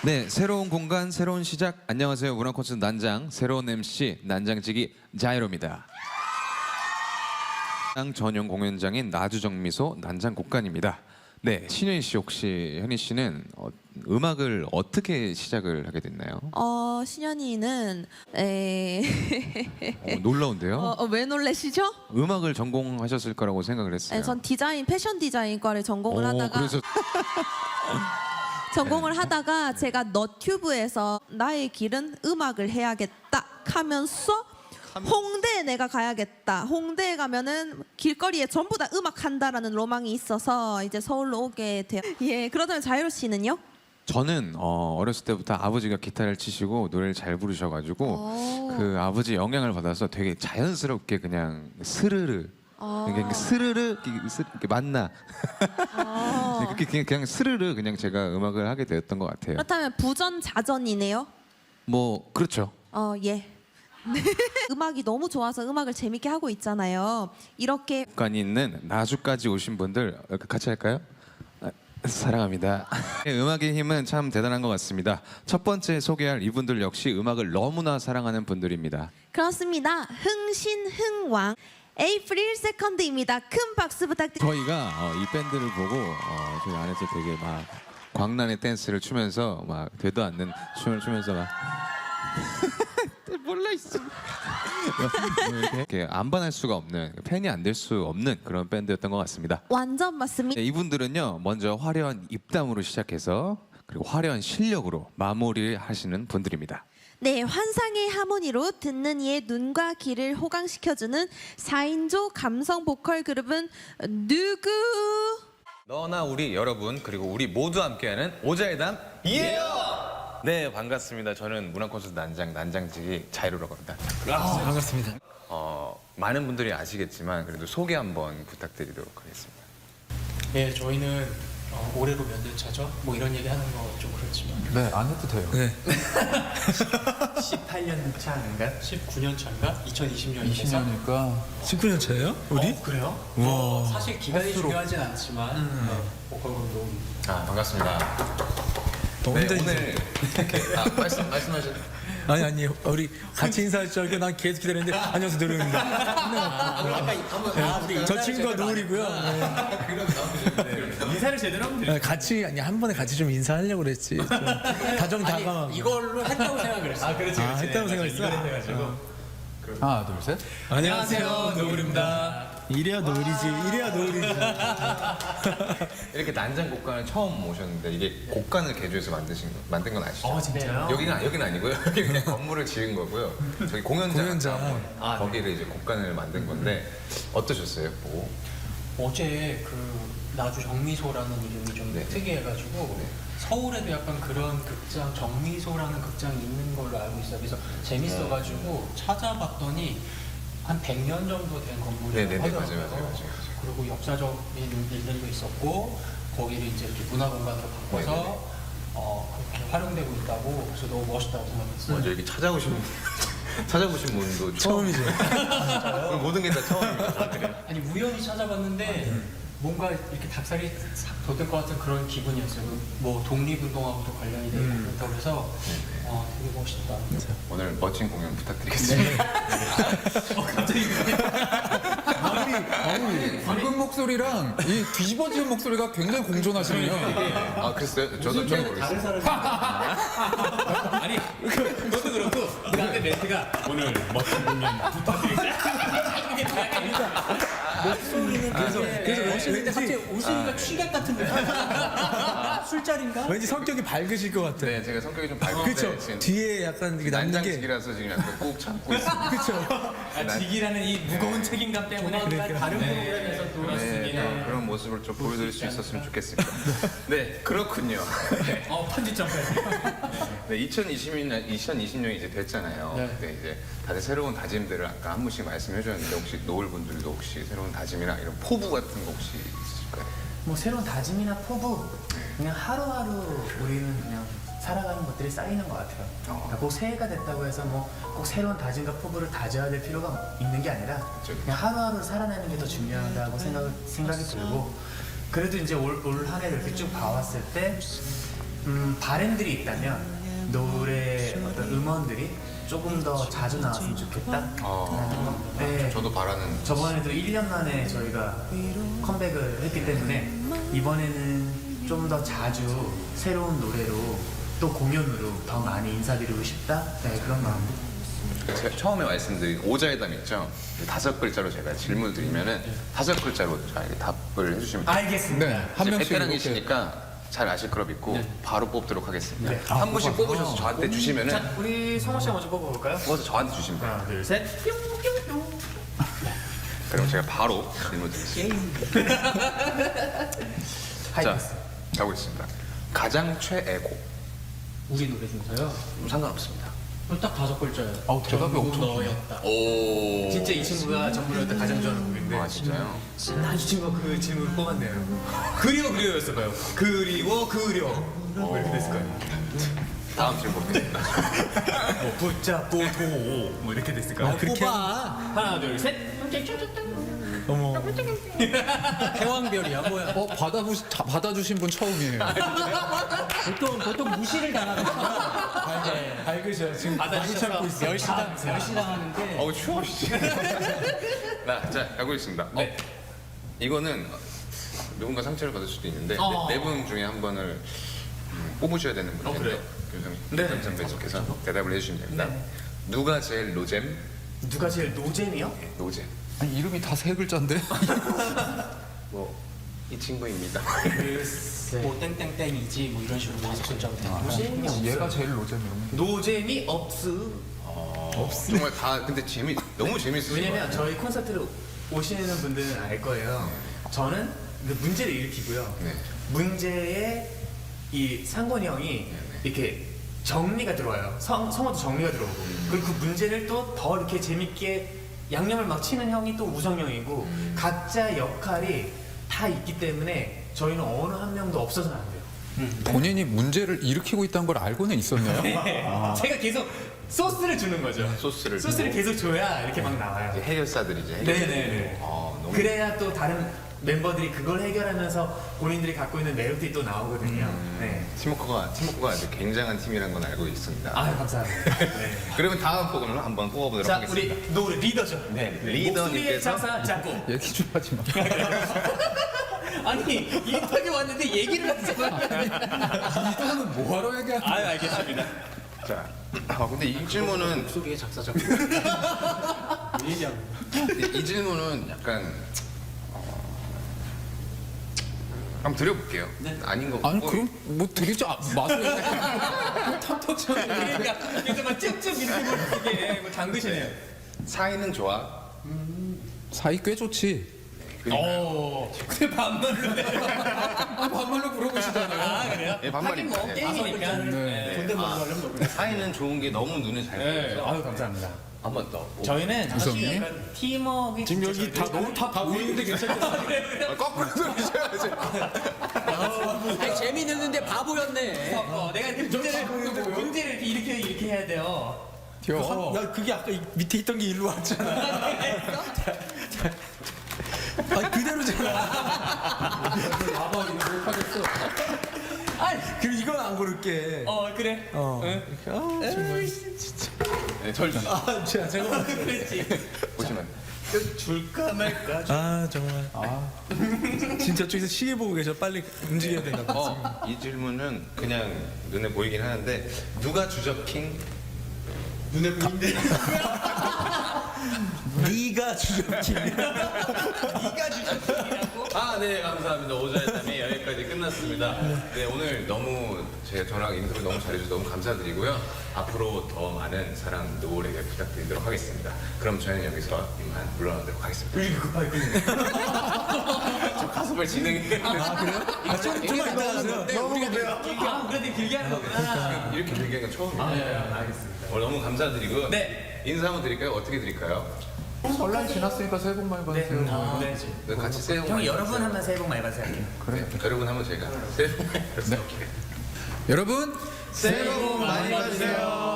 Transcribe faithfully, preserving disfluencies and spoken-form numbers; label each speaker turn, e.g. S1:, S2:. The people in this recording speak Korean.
S1: 네, 새로운 공간, 새로운 시작. 안녕하세요. 문화 콘서트 난장, 새로운 엠씨 난장지기 자이로입니다. 전용 공연장인 나주정미소 난장곡간입니다. 네, 신현희 씨 혹시 현희 씨는 어, 음악을 어떻게 시작을 하게 됐나요?
S2: 어, 신현이는 에...
S1: 어, 놀라운데요?
S2: 어, 어, 왜 놀라시죠?
S1: 음악을 전공하셨을 거라고 생각을 했어요.
S2: 네, 전 디자인, 패션 디자인과를 전공을
S1: 오,
S2: 하다가
S1: 그래서
S2: 전공을 하다가 제가 너튜브에서 나의 길은 음악을 해야겠다 하면서 홍대에 내가 가야겠다. 홍대에 가면은 길거리에 전부 다 음악 한다라는 로망이 있어서 이제 서울로 오게 돼요. 예, 그렇다면 자유로 씨는요?
S1: 저는 어, 어렸을 때부터 아버지가 기타를 치시고 노래를 잘 부르셔가지고
S2: 오.
S1: 그 아버지 영향을 받아서 되게 자연스럽게 그냥 스르르
S2: 아.
S1: 이렇게 스르르 이렇게 스- 이렇게 만나
S2: 아.
S1: 그렇게 그냥, 그냥 스르르 그냥 제가 음악을 하게 되었던 것 같아요.
S2: 그렇다면 부전자전이네요.
S1: 뭐 그렇죠.
S2: 어, 예. 음악이 너무 좋아서 음악을 재밌게 하고 있잖아요. 이렇게
S1: 국간이 있는 나주까지 오신 분들 어, 같이 할까요? 아, 사랑합니다. 음악의 힘은 참 대단한 것 같습니다. 첫 번째 소개할 이분들 역시 음악을 너무나 사랑하는 분들입니다.
S2: 그렇습니다. 흥신흥왕 에이프릴 세컨드입니다. 큰 박수 부탁드립니다.
S1: 저희가 어, 이 밴드를 보고 어, 저희 안에서 되게 막 광란의 댄스를 추면서 막 되도 않는 춤을 추면서 막 몰라 있어. 이렇게, 이렇게 안반할 수가 없는 팬이 안 될 수 없는 그런 밴드였던 것 같습니다.
S2: 완전 맞습니다.
S1: 네, 이분들은요 먼저 화려한 입담으로 시작해서 그리고 화려한 실력으로 마무리를 하시는 분들입니다.
S2: 네, 환상의 하모니로 듣는 이의 눈과 귀를 호강시켜주는 사 인조 감성 보컬 그룹은 누구?
S1: 너나 우리 여러분 그리고 우리 모두 함께하는 오자의담 이에요. 네 반갑습니다. 저는 문화 콘서트 난장 난장지기 자이로라고 합니다.
S3: 아, 반갑습니다.
S1: 어, 많은 분들이 아시겠지만 그래도 소개 한번 부탁드리도록 하겠습니다.
S3: 예, 저희는 어, 올해로 몇 년 차죠? 뭐 이런 얘기 하는 거 좀 그렇지만
S4: 네, 안 해도 돼요.
S3: 네. 십팔 년 차인가? 십구 년 차인가? 이천이십 년이니까
S4: 이십 년이니까
S3: 십구 년 차예요? 우리? 어, 그래요? 와. 사실 기간이
S4: 횟수로.
S3: 중요하진 않지만
S4: 음.
S3: 네, 보컬 운동
S1: 아 반갑습니다.
S3: 너무
S1: 네,
S3: 힘든
S1: 오늘 이렇게 아, 말씀 말씀하셨.
S3: 아니 아니 우리 같이 인사할 줄 알고 난 계속 기다렸는데 안녕하세요 노래입니다. 네, 저 친구가 노을이고요. 네.
S5: 인사를 제대로 하면 돼요.
S3: 네, 같이 아니 한 번에 같이 좀 인사하려고 그랬지. 좀 다정다감하고.
S5: 이걸로 했다고 생각을 했어. 아, 그렇지,
S3: 아, 했다고 생각했어.
S5: 해가지고.
S4: 하나, 둘, 셋.
S3: 안녕하세요 노을입니다. 이래야 노을이지. 이래야 노을이지.
S1: 이렇게 난장 곡간을 처음 오셨는데 이게 곡간을 개조해서 만드신 거, 만든 건 아시죠?
S5: 어, 진짜요?
S1: 여기는 여기는 아니고요. 여기 그냥 건물을 지은 거고요. 저기 공연장,
S3: 공연장.
S1: 한번
S5: 아, 네.
S1: 거기를 이제 곡간을 만든 건데 어떠셨어요? 보고?
S3: 어제 그 나주 정미소라는 이름이 좀
S1: 네.
S3: 특이해가지고
S1: 네.
S3: 서울에도 약간 그런 극장 정미소라는 극장이 있는 걸로 알고 있어요. 그래서 재밌어가지고 찾아봤더니 한 백 년 정도 된 건물이라고
S1: 네네네,
S3: 하더라고요.
S1: 맞아요, 맞아요, 맞아요, 맞아요.
S3: 그리고 역사적인 일들도 있었고 거기를 이제 이렇게 문화공간으로 바꿔서
S1: 네네네.
S3: 어, 그렇게 활용되고 있다고 그래서 너무 멋있다고 생각했어요.
S1: 먼저 이렇게 찾아오신 분, 찾아보신 분도 처음.
S3: 처음이죠.
S1: 오늘 모든 게 다 처음입니다.
S3: 아니 우연히 찾아봤는데 뭔가 이렇게 닭살이 싹 돋을 것 같은 그런 기분이었어요. 뭐 독립운동하고도 관련이 되고 그렇다고 해서 어, 되게 멋있다.
S1: 오늘 멋진 공연 부탁드리겠습니다.
S4: 방금 목소리랑 이 뒤집어지는 목소리가 굉장히 공존하시네요.
S1: 아 그랬어요? 저도 좀 모르겠어요.
S5: 아니, 그, 그것도 그렇고, 그 다음에 멘트가 오늘 멋진 공연
S3: 목소리는 그래서 그래서
S5: 멋있는데 갑자기 웃으니까 취객 같은 느낌. 술자리인가?
S3: 왠지 성격이 밝으실 것 같아.
S1: 네, 제가 성격이 좀 밝은데
S3: 그렇죠.
S1: 지금
S3: 뒤에 약간 이게 남는 게
S1: 난장직이라서 지금 약간 꾹 참고 있습니다.
S3: 그렇죠.
S5: 아, 직이라는 이 무거운 책임감 때문에
S3: 그러니까.
S5: 다른 프로그램에서 또
S1: 네,
S5: 네.
S1: 그런 모습을 좀 보여드릴 수 있었으면 좋겠습니다. 네, 그렇군요. 네,
S5: 어, 편집점까지.
S1: 네, 이천이십 년, 이천이십 년이 이제 됐잖아요.
S3: 네.
S1: 네, 이제 다들 새로운 다짐들을 아까 한 분씩 말씀해 주셨는데 혹시 노을 분들도 혹시 새로운 다짐이나 이런 포부 같은 거 혹시 있으실까요?
S6: 뭐 새로운 다짐이나 포부 그냥 하루하루 우리는 그냥 살아가는 것들이 쌓이는 것 같아요. 그러니까 꼭 새해가 됐다고 해서 뭐 꼭 새로운 다짐과 포부를 다져야 될 필요가 있는 게 아니라
S1: 그쵸.
S6: 그냥 하루하루 살아내는 게 더 중요하다고 생각, 생각이 들고 그래도 이제 올 한 해를 이렇게 쭉 봐왔을 때 음, 바램들이 있다면 노래 어떤 음원들이 조금 더 자주 나왔으면 좋겠다.
S1: 어,
S6: 네.
S1: 저도 바라는.
S6: 저번에도 일 년 만에 저희가 컴백을 했기 때문에 이번에는 좀 더 자주 새로운 노래로 또 공연으로 더 많이 인사드리고 싶다. 네, 그런 마음.
S1: 제가 처음에 말씀드린 오자회담 있죠? 다섯 글자로 제가 질문을 드리면은 다섯 글자로 저에게 답을 해주시면 돼요.
S6: 알겠습니다.
S4: 네, 한 명씩 이렇게.
S1: 베테랑이시니까 잘 아실 거라 믿고 바로 뽑도록 하겠습니다.
S6: 네.
S1: 한 분씩 뽑으셔서 저한테 주시면은
S6: 자, 우리 성호 씨가 먼저 뽑아볼까요?
S1: 뽑아서 저한테 주시면 돼요.
S6: 하나, 둘, 셋. 뿅뿅뿅.
S1: 그럼 제가 바로 질문 드리겠습니다. 자,
S6: 하이패스.
S1: 가보겠습니다. 가장 최애곡.
S3: 우리 노래 중에서요.
S1: 뭐 상관없습니다.
S3: 그럼 딱 다섯 글자예요.
S4: 아우, 대답이
S3: 전부
S4: 엄청
S3: 너였다.
S1: 오.
S6: 진짜 이 친구가 전부를 때 가장 좋아하는 곡인데
S1: 아 진짜요?
S6: 난 이 친구가 그 질문을 뽑았네요. 그리워 그리워였을까요? 그리워 그려. 뭐 이렇게 됐을까요?
S1: 다음 질문 보겠습니다.
S6: 뭐 붙잡고 도뭐 이렇게 됐을까요?
S3: 아, 뽑아.
S6: 하나 둘 셋.
S3: 어머. 해왕별이야 뭐야.
S4: 어 받아부 받아주신 분 처음이에요.
S3: 보통 보통 무시를 당하거든요. 네.
S4: 밝으셔 지금
S6: 많이 참고 있어요.
S3: 멸시당 멸시당하는데.
S1: 어우 추워. 씨. 나, 자 가보겠습니다. 네. 이거는 누군가 상처를 받을 수도 있는데
S6: 어.
S1: 네 분 중에 한 분을 음, 뽑으셔야 되는
S6: 어,
S1: 문제인데
S6: 그래요?
S1: 교수님
S6: 네.
S1: 네. 선배님께서 대답을 해주시면 됩니다.
S6: 네.
S1: 누가 제일 노잼?
S6: 누가 제일 노잼이요?
S1: 노잼.
S4: 아니, 이름이 다 세 글자인데.
S1: 뭐 이 친구입니다.
S3: 뭐 땡땡땡이지 뭐 이런 식으로 다섯 글자로 된 거죠.
S6: 노잼이 없어.
S4: 얘가 제일 노잼 이러면.
S6: 노잼이 없어.
S1: 없어. 정말 다 근데 재미 너무 재밌으신 것
S6: 왜냐면
S1: 같아요.
S6: 저희 콘서트를 오시는 분들은 알 거예요. 저는 그 문제를 일으키고요.
S1: 네.
S6: 문제에 이 상곤이 형이 이렇게 정리가 들어와요. 성, 성어도 정리가 들어오고. 그리고 그 문제를 또 더 이렇게 재밌게 양념을 막 치는 형이 또 우성 형이고 각자 역할이 다 있기 때문에 저희는 어느 한 명도 없어서는 안 돼요.
S4: 본인이 문제를 일으키고 있다는 걸 알고는 있었네요.
S6: 제가 계속 소스를 주는 거죠.
S1: 소스를
S6: 소스를
S1: 주고.
S6: 계속 줘야 이렇게 막 나와요.
S1: 이제 해결사들이죠. 해결사.
S6: 네네네.
S1: 아, 너무
S6: 그래야 또 다른 멤버들이 그걸 해결하면서 본인들이 갖고 있는 매력들이 또 나오거든요. 네.
S1: 팀워크가 팀워크가 아주 굉장한 팀이라는 건 알고 있습니다.
S6: 아유 감사합니다. 네.
S1: 그러면 다음 곡을 한번 뽑아보도록
S6: 자
S1: 하겠습니다.
S6: 우리 노래 리더죠.
S1: 네,
S6: 목소리의
S1: 리더님께서
S6: 작사 작곡.
S4: 얘기 좀 하지 마.
S6: 아니 인터뷰 왔는데 얘기를 하잖아.
S4: 이거는 뭐하러 얘기하는
S6: 아유 알겠습니다.
S1: 자, 아, 근데 이 질문은
S3: 목소리의 작사 작곡. 얘기하고.
S1: 이, 이 질문은 약간 어, 한번 드려볼게요. 아닌 거
S4: 아니
S1: 같고.
S4: 그럼 뭐 드리지 아, 마세요. 탐탁처럼.
S6: 그러니까 그래서 막 쭉쭉 이렇게 이게 뭐 잠그시네요.
S1: 사이는 좋아.
S4: 사이 꽤 좋지.
S6: 오. 근데 반말로.
S4: 아 반말로 물어보시잖아요.
S6: 아 그래요?
S1: 예, 반말입니다.
S6: 하긴 뭐
S1: 예.
S6: 게임이니까.
S4: 네.
S6: 존댓말로 하려면 뭐.
S1: 사이는 좋은 게 너무 눈에 잘
S6: 네.
S1: 보여서
S6: 아유 감사합니다.
S1: 한번 더. 뭐,
S6: 저희는
S4: 우성이?
S6: 사실 약간 팀워크
S3: 지금 여기 다 너무 다 보이는데 괜찮겠어요?
S1: 아, 거꾸로 들으셔야지.
S3: 아니 재미있는데 바보였네.
S6: 어, 내가 이렇게 문제를 문제를 이렇게 이렇게 이렇게 해야 돼요.
S4: 튀어.
S3: 야 그게 아까 이 밑에 있던 게 일로 왔잖아. 아 그대로잖아.
S4: 아마 이거 못하겠어.
S6: 아이,
S3: 그럼 이건 안 고를게.
S6: 어 그래.
S3: 어.
S6: 응?
S1: 네, 절 주세요.
S3: 아 제가 제가
S6: 그렇지.
S1: 보시면.
S6: 줄까 말까.
S3: 아 정말. 아 진짜 저기서 시계 보고 계셔. 빨리 움직여야 되나 봐.
S1: 어, 이 질문은 그냥 눈에 보이긴 하는데 누가 주접킹?
S6: 눈에 보이는데.
S3: 네가 주접기.
S6: 네가 주셨이라고.
S1: 아, 네, 감사합니다. 오자회담이 여기까지 끝났습니다. 네, 오늘 너무 제 저랑 인터뷰 너무 잘해주셔서 너무 감사드리고요. 앞으로 더 많은 사랑 노을에게 부탁드리도록 하겠습니다. 그럼 저희는 여기서 이만 물러나도록 하겠습니다.
S6: 왜 이렇게 급하게 끊는
S1: 저 가슴을 진행해.
S3: 아 그래요? 아 좀, 좀만 이따 하세요.
S6: 너무 그래요? 아, 그래도 길게 하는 거구나.
S1: 이렇게 길게 하는 건 처음이에요.
S6: 아, 네, 알겠습니다.
S1: 오늘 너무 감사드리고
S6: 네.
S1: 인사 한번 드릴까요? 어떻게 드릴까요?
S4: 설날 지났으니까 새해 복 많이 받으세요.
S6: 아, 네.
S1: 네, 같이 새해 복
S6: 형
S1: 많이
S6: 여러분 하면 새해 복 많이 받으세요.
S4: 그래.
S1: 여러분 한번 제가 새해 복 많이 받으세요.
S4: 여러분
S1: 새해 복 많이 받으세요.